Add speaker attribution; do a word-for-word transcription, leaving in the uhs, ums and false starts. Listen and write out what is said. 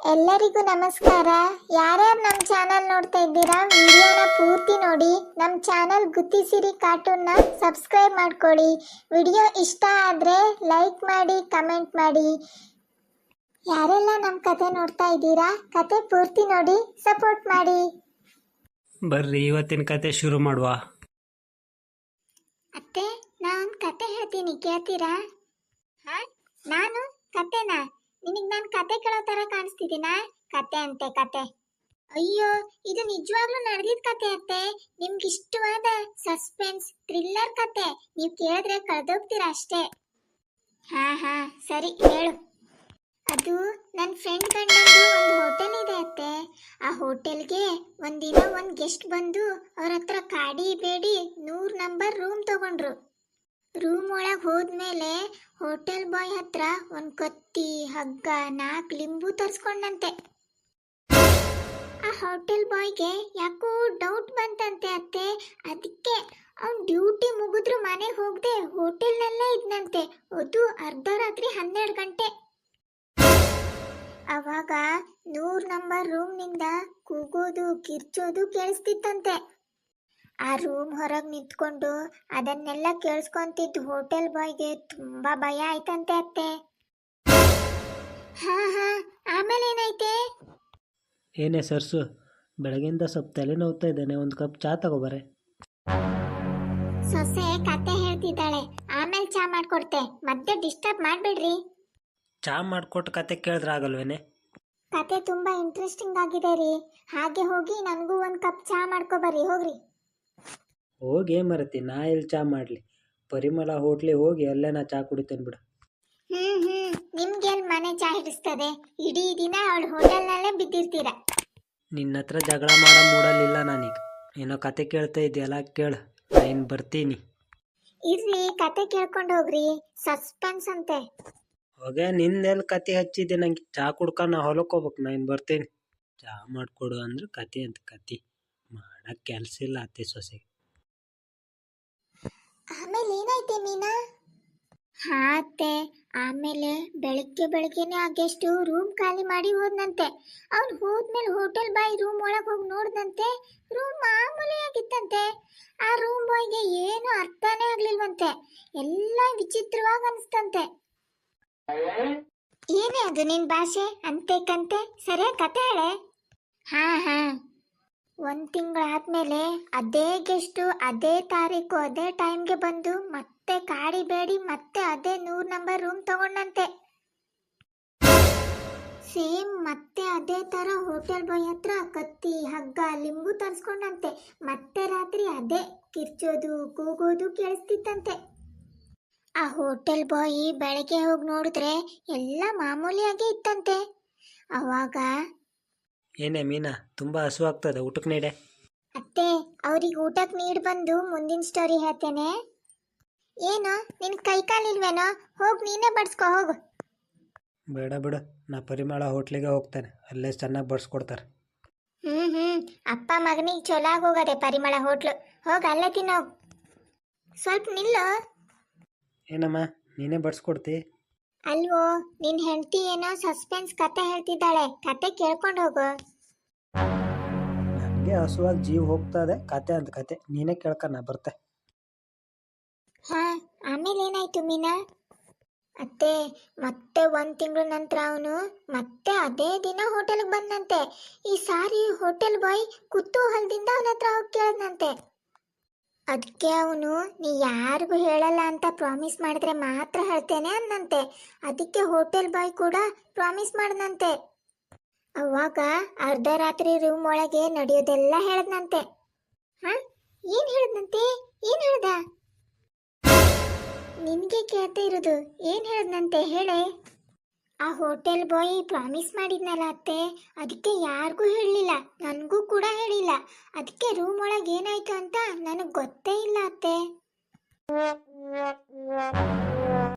Speaker 1: ಎಲ್ಲರಿಗೂ ನಮಸ್ಕಾರ. ಯಾರ್ಯಾರು ನಮ್ಮ ಚಾನಲ್ ನೋಡ್ತಾ ಇದ್ದೀರಾ, ವಿಡಿಯೋನ ಪೂರ್ತಿ ನೋಡಿ. ನಮ್ಮ ಚಾನಲ್ ಗುತ್ತಿಸಿರಿ ಕಾರ್ಟೂನ್ನ ಸಬ್ಸ್ಕ್ರೈಬ್ ಮಾಡ್ಕೊಳ್ಳಿ. ವಿಡಿಯೋ ಇಷ್ಟ ಆದರೆ ಲೈಕ್ ಮಾಡಿ, ಕಮೆಂಟ್ ಮಾಡಿ. ಯಾರೆಲ್ಲ ನಮ್ಮ ಕತೆ ನೋಡ್ತಾ ಇದ್ದೀರಾ, ಕತೆ ಪೂರ್ತಿ ನೋಡಿ ಸಪೋರ್ಟ್ ಮಾಡಿ.
Speaker 2: ಬರ್ರಿ ಇವತ್ತಿನ ಕತೆ ಶುರು ಮಾಡುವ.
Speaker 1: ಅತ್ತೆ, ನಾನು ಕತೆ ಹೇಳ್ತೀನಿ, ಕೇಳ್ತೀರಾ? ಹಾ, ನಾನು ಕತೆನಾ? ನಿನಗೆ ನಾನು ಕತೆ ಕೇಳೋ ಥರ ಕಾಣಿಸ್ತಿದ್ದೀನಾ? ಕತೆ ಅಂತೆ ಕತೆ. ಅಯ್ಯೋ, ಇದು ನಿಜವಾಗ್ಲೂ ನಡೆದಿದ್ದ ಕತೆ ಅತ್ತೆ. ನಿಮ್ಗೆ ಇಷ್ಟವಾದ ಸಸ್ಪೆನ್ಸ್ ಥ್ರಿಲ್ಲರ್ ಕತೆ. ನೀವು ಕೇಳಿದ್ರೆ ಕಳೆದೋಗ್ತೀರಾ ಅಷ್ಟೇ. ಹಾ ಹಾ ಸರಿ, ಹೇಳು. ಅದು ನನ್ನ ಫ್ರೆಂಡ್ ಗಂಡಂದು ಒಂದು ಹೋಟೆಲ್ ಇದೆ ಅತ್ತೆ. ಆ ಹೋಟೆಲ್ಗೆ ಒಂದಿನ ಒಂದು ಗೆಸ್ಟ್ ಬಂದು ಅವ್ರ ಹತ್ರ ಕಾಡಿ ಬೇಡಿ ನೂರು ನಂಬರ್ ರೂಮ್ ತಗೊಂಡ್ರು. ರೂಮ್ ಒಳಗೆ ಹೋದ್ಮೇಲೆ ಹೋಟೆಲ್ ಬಾಯ್ ಹತ್ರ ಒಂದು ಕತ್ತಿ, ಹಗ್ಗ, ನಾಲ್ಕು ಲಿಂಬು ತರಿಸ್ಕೊಂಡಂತೆ. ಆ ಹೋಟೆಲ್ ಬಾಯ್ಗೆ ಯಾಕೋ ಡೌಟ್ ಬಂತಂತೆ ಅತ್ತೆ. ಅದಕ್ಕೆ ಅವ್ನು ಡ್ಯೂಟಿ ಮುಗಿದ್ರು ಮನೆಗೆ ಹೋಗದೆ ಹೋಟೆಲ್ನಲ್ಲೇ ಇದ್ನಂತೆ. ಅದು ಅರ್ಧ ರಾತ್ರಿ ಹನ್ನೆರಡು ಗಂಟೆ. ಅವಾಗ ನೂರು ನಂಬರ್ ರೂಮ್ನಿಂದ ಕೂಗೋದು, ಕಿರ್ಚೋದು ಕೇಳಿಸ್ತಿತ್ತಂತೆ. ಆ ರೂಮ್ ಹೊರಗೆ ನಿಂತ್ಕೊಂಡು ಅದನ್ನೆಲ್ಲ ಕೇಳಿಸ್ಕೊಂತಿದ್ದು ಹೋಟೆಲ್ ಬಾಯ್ಗೆ ತುಂಬಾ ಭಯ ಆಯ್ತಂತೆ ಅತ್ತೆ. ಹಾ ಹಾ ಆಮೇಲೆ ಏನಾಯ್ತೆ?
Speaker 2: ಏನೇ ಸರ್ಸು, ಬೆಳಗಿಂದ ಸ್ವಲ್ಪ ತಲೆನೋವ್ತಾ ಇದ್ದಾನೆ, ಒಂದು ಕಪ್ ಚಾ ತಗೋಬಾರೆ.
Speaker 1: ಸೊಸೆ ಕತೆ ಹೇಳ್ತಿದ್ದಾಳೆ, ಆಮೇಲೆ ಚಾ ಮಾಡ್ಕೊಡ್ತೆ, ಮತ್ತೆ ಡಿಸ್ಟರ್ಬ್ ಮಾಡ್ಬೇಡ್ರಿ.
Speaker 2: ಚಾ ಮಾಡ್ಕೊಟ್ಟು ಕತೆ ಕೇಳಿದ್ರೆ ಆಗಲ್ವೇನೆ?
Speaker 1: ಕತೆ ತುಂಬಾ ಇಂಟ್ರೆಸ್ಟಿಂಗ್ ಆಗಿದೆ ರೀ. ಹಾಗೆ ಹೋಗಿ ನನಗೂ ಒಂದು ಕಪ್ ಚಾ ಮಾಡ್ಕೊಬರ್ರಿ, ಹೋಗ್ರಿ.
Speaker 2: ಹೋಗಿ ಏನು ಮರತಿ, ನಾ ಎಲ್ಲಿ ಚಾ ಮಾಡಲಿ? ಪರಿಮಳ ಹೋಟ್ಲಿಗೆ ಹೋಗಿ ಅಲ್ಲೇ ನಾ ಚಾ ಕುಡಿತೇನೆ ಬಿಡು.
Speaker 1: ಹ್ಮ್ ಹ್ಮ್ ನಿಮ್ಗೆಲ್ ಮನೆ ಚಾ ಹಿಡಿಸ್ತದೆ? ಇಡೀ ದಿನ ಅವಳು ಹೋಟೆಲ್ನಲ್ಲೇ ಬಿದ್ದಿರ್ತೀರ.
Speaker 2: ನಿನ್ನ ಹತ್ರ ಜಗಳ ಮಾಡೋ ಮೂಡಲಿಲ್ಲ ನಾನೀಗ. ಏನೋ ಕತೆ ಕೇಳ್ತಾ ಇದೆಯಲ್ಲ, ಕೇಳು, ನಾನು ಬರ್ತೀನಿ.
Speaker 1: ಇರ್ರಿ, ಕತೆ ಕೇಳ್ಕೊಂಡು ಹೋಗ್ರಿ, ಸಸ್ಪೆನ್ಸ್ ಅಂತೆ.
Speaker 2: ಹೋಗೆ ನಿನ್ನೆಲ್ಲಿ ಕತೆ ಹಚ್ಚಿದ್ದೆ, ನಂಗೆ ಚಾ ಕುಡ್ಕೊಂಡು ನಾ ಹೊಲಕ್ಕೆ ಹೋಗ್ಬೇಕು, ನಾನು ಬರ್ತೀನಿ. ಚಾ ಮಾಡಿಕೊಡು ಅಂದ್ರೆ ಕತೆ ಅಂತ ಕತೆ ಮಾಡಕ್ಕೆ ಕೆಲಸ ಇಲ್ಲ ಅತ್ತೆ ಸೊಸೆಗೆ.
Speaker 1: ಆಮೇಲೆ ಏನಾಯ್ತೆ ಮೀನಾ? ಹಾ ಅತ್ತೆ, ಆಮೇಲೆ ಬೆಳಗ್ಗೆ ಬೆಳಗ್ಗೆನೆ ಆ ಗೆಸ್ಟು ರೂಮ್ ಖಾಲಿ ಮಾಡಿ ಹೋದ್ನಂತೆ. ಅವ್ನು ಹೋದ್ಮೇಲೆ ಹೋಟೆಲ್ ಬಾಯ್ ರೂಮ್ ಒಳಗೆ ಹೋಗಿ ನೋಡ್ದಂತೆ. ರೂಮ್ ಮಾಮೂಲಿ ಆಗಿತ್ತಂತೆ. ಆ ರೂಮ್ ಬಾಯ್ಗೆ ಏನು ಅರ್ಥನೇ ಆಗ್ಲಿಲ್ವಂತೆ. ಎಲ್ಲ ವಿಚಿತ್ರವಾಗಿ ಅನಿಸ್ತಂತೆ. ಏನೇ ಅದು ನಿನ್ ಭಾಷೆ ಅಂತೆ ಕಂತೆ? ಸರಿಯಾಗಿ ಕತೆ ಹೇಳೆ. ಹಾ ಹಾ ಒಂದು ತಿಂಗಳಾದ್ಮೇಲೆ ಅದೇ ಗೆಸ್ಟು ಅದೇ ತಾರೀಕು ಅದೇ ಟೈಮ್ಗೆ ಬಂದು ಮತ್ತೆ ಕಾಡಿ ಬೇಡಿ ಮತ್ತೆ ಅದೇ ನೂರು ನಂಬರ್ ರೂಮ್ ತಗೊಂಡಂತೆ. ಸೇಮ್ ಮತ್ತೆ ಅದೇ ತರ ಹೋಟೆಲ್ ಬಾಯ್ ಹತ್ರ ಕತ್ತಿ, ಹಗ್ಗ, ಲಿಂಬು ತರಿಸ್ಕೊಂಡಂತೆ. ಮತ್ತೆ ರಾತ್ರಿ ಅದೇ ಕಿರ್ಚೋದು, ಕೂಗೋದು ಕೇಳಿಸ್ತಿತ್ತಂತೆ. ಆ ಹೋಟೆಲ್ ಬಾಯ್ ಬೆಳಗ್ಗೆ ಹೋಗಿ ನೋಡಿದ್ರೆ ಎಲ್ಲ ಮಾಮೂಲಿಯಾಗಿ ಇತ್ತಂತೆ. ಅವಾಗ
Speaker 2: ಏನೇ ಮೀನಾ, ತುಂಬ ಹಸು ಆಗ್ತದೆ, ಊಟಕ್ಕೆ ನೀಡೆ.
Speaker 1: ಅತ್ತೆ, ಅವ್ರಿಗೆ ಊಟಕ್ಕೆ ನೀಡಿ ಬಂದು ಮುಂದಿನ ಸ್ಟೋರಿ ಹೇಳ್ತೇನೆ. ಏನು ನಿನ್ ಕೈ ಕಾಲಿಲ್ವೇನೋ? ಹೋಗಿ ನೀನೇ ಬಡ್ಸ್ಕೊ ಹೋಗು.
Speaker 2: ಬೇಡ ಬಿಡು, ನಾ ಪರಿಮಳ ಹೋಟ್ಲಿಗೆ ಹೋಗ್ತೇನೆ, ಅಲ್ಲೇ ಚೆನ್ನಾಗಿ ಬಡಿಸ್ಕೊಡ್ತಾರೆ.
Speaker 1: ಹ್ಮ್ ಹ್ಮ್ ಅಪ್ಪ ಮಗನಿಗೆ ಚೊಲಾಗಿ ಹೋಗದೆ ಪರಿಮಳ ಹೋಟ್ಲು. ಹೋಗಿ ಅಲ್ಲೇ ತಿನ್ನೋ. ಸ್ವಲ್ಪ ನಿಲ್ಲೋ.
Speaker 2: ಏನಮ್ಮ, ನೀನೇ ಬಡಿಸ್ಕೊಡ್ತಿ?
Speaker 1: ಅಲ್ವೋ, ನಿನ್ ಹೆಂಡತಿ ಏನೋ ಸಸ್ಪೆನ್ಸ್ ಕತೆ ಹೇಳ್ತಿದ್ದಾಳೆ, ಕತೆ ಕೇಳ್ಕೊಂಡು ಹೋಗು.
Speaker 2: ನನಗೆ ಹಸುವಾಗಿ ಜೀವ ಹೋಗ್ತದೆ, ಕತೆ ಅಂತ ಕತೆ ನೀನೇ ಕೇಳ್ಕ, ನಾ ಬರ್ತೆ.
Speaker 1: ಹಾ ಆಮೇಲೆ ಏನಾಯ್ತು ಮೀನಾ? ಅತ್ತೆ, ಮತ್ತೆ ಒಂದ್ ತಿಂಗಳ ನಂತರ ಅವನು ಮತ್ತೆ ಅದೇ ದಿನ ಹೋಟೆಲ್ಗೆ ಬಂದಂತೆ. ಈ ಸಾರಿ ಹೋಟೆಲ್ ಬಾಯ್ ಕುತೂಹಲದಿಂದ ಅವನ ಹತ್ರ ಹೋಗಿ ಕೇಳದ್ನಂತೆ. ಅದಕ್ಕೆ ಅವನು ನೀ ಯಾರಿಗೂ ಹೇಳಲ್ಲ ಅಂತ ಪ್ರಾಮಿಸ್ ಮಾಡಿದ್ರೆ ಮಾತ್ರ ಹೇಳ್ತೇನೆ ಅಂದಂತೆ. ಅದಕ್ಕೆ ಹೋಟೆಲ್ ಬಾಯ್ ಕೂಡ ಪ್ರಾಮಿಸ್ ಮಾಡ್ದಂತೆ. ಅವಾಗ ಅರ್ಧ ರಾತ್ರಿ ರೂಮ್ ಒಳಗೆ ನಡೆಯೋದೆಲ್ಲ ಹೇಳದ್ನಂತೆ. ಹಾ ಏನ್ ಹೇಳದ್ನಂತೆ? ಏನ್ ಹೇಳ್ದ? ನಿನ್ಗೆ ಕೇಳ್ತಾ ಇರೋದು, ಏನ್ ಹೇಳದ್ನಂತೆ ಹೇಳೆ. ಆ ಹೋಟೆಲ್ ಬಾಯ್ ಪ್ರಾಮಿಸ್ ಮಾಡಿದ್ನಲ್ಲ ಅತ್ತೆ, ಅದಕ್ಕೆ ಯಾರಿಗೂ ಹೇಳಲಿಲ್ಲ, ನನಗೂ ಕೂಡ ಹೇಳಿಲ್ಲ. ಅದಕ್ಕೆ ರೂಮ್ ಒಳಗೆ ಏನಾಯ್ತು ಅಂತ ನನಗೆ ಗೊತ್ತೇ ಇಲ್ಲ ಅತ್ತೆ.